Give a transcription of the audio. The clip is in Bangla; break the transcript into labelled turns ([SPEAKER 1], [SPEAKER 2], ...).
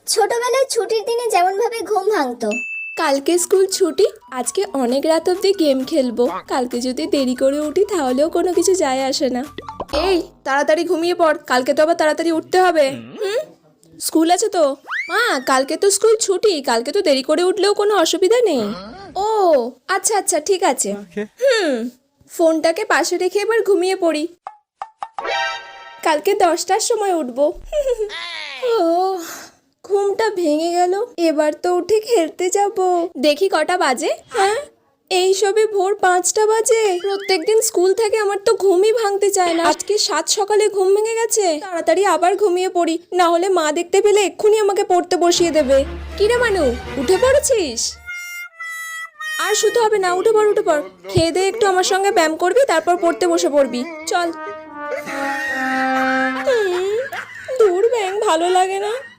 [SPEAKER 1] ছোটবেলায় ছুটির দিনে যেমন ভাবে ঘুম ভাঙতো।
[SPEAKER 2] কালকে স্কুল ছুটি, আজকে অনেক রাত অবধি গেম খেলবো। কালকে যদি দেরি করে উঠি তাহলেও কোনো কিছু যায় আসে না। এই তাড়াতাড়ি ঘুমিয়ে পড়, কালকে তো আবার তাড়াতাড়ি উঠতে হবে। স্কুল আছে তো? মা, কালকে তো স্কুল ছুটি, কালকে তো দেরি করে উঠলেও কোনো অসুবিধা নেই। ও আচ্ছা আচ্ছা, ঠিক আছে। ফোনটাকে পাশে রেখে এবার ঘুমিয়ে পড়ি। কালকে 10টার সময় উঠবো। ও, ঘুমটা ভেঙে গেল। এবার তো উঠে খেলতে যাব। দেখি কটা বাজে। হ্যাঁ, এই সবে ভোর 5টা বাজে। প্রত্যেকদিন স্কুল থেকে আমার তো ঘুমই ভাঙতে চায় না। আজকে 7 সকালে ঘুম ভেঙে গেছে। তাড়াতাড়ি আবার ঘুমিয়ে পড়ি, না হলে মা দেখতে পেলে এক্ষুনি আমাকে পড়তে বসিয়ে দেবে। কিরে মানু, উঠে পড়েছিস? আর শুতে হবে না, উঠে পড় উঠে পড়। খেয়ে দে একটু আমার সঙ্গে ব্যায়াম করবি, তারপর পড়তে বসে পড়বি। চল। দূর ব্যাং ভালো লাগে না।